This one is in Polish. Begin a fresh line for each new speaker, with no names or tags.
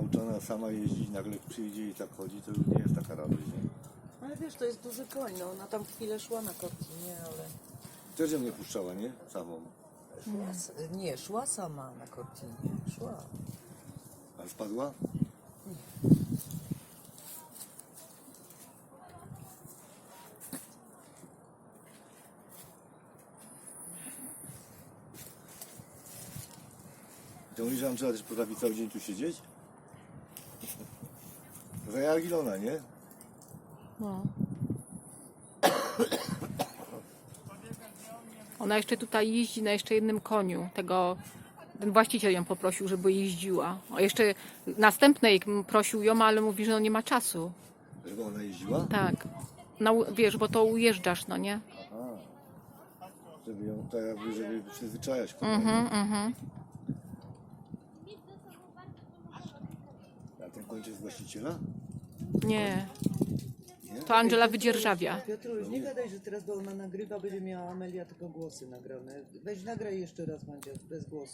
nauczona sama jeździć, nagle przyjdzie i tak chodzi, to już nie jest taka radość, nie?
Ale wiesz, to jest duży koń, no ona tam chwilę szła na Cortinie, ale...
Też ją nie puszczała, nie? Samą.
Nie, szła sama na Cortinie, szła.
A spadła? To mówisz, że Angela też potrafi cały dzień tu siedzieć? Za Jargilona, nie?
No. Ona jeszcze tutaj jeździ na jeszcze jednym koniu. Ten właściciel ją poprosił, żeby jeździła. A jeszcze następnej prosił ją, ale mówi, że no nie ma czasu.
Żeby ona jeździła?
Tak. Wiesz, bo to ujeżdżasz, no nie?
Aha. Żeby ją tak jakby, żeby przyzwyczajać.
Mhm.
A ten kończy jest właściciela?
Nie.
Nie?
To Angela wydzierżawia.
Piotruś, nie gadaj, że teraz, bo ona nagrywa, będzie miała Amelia tylko głosy nagrane. Weź nagraj jeszcze raz, Mandzia, bez głosu.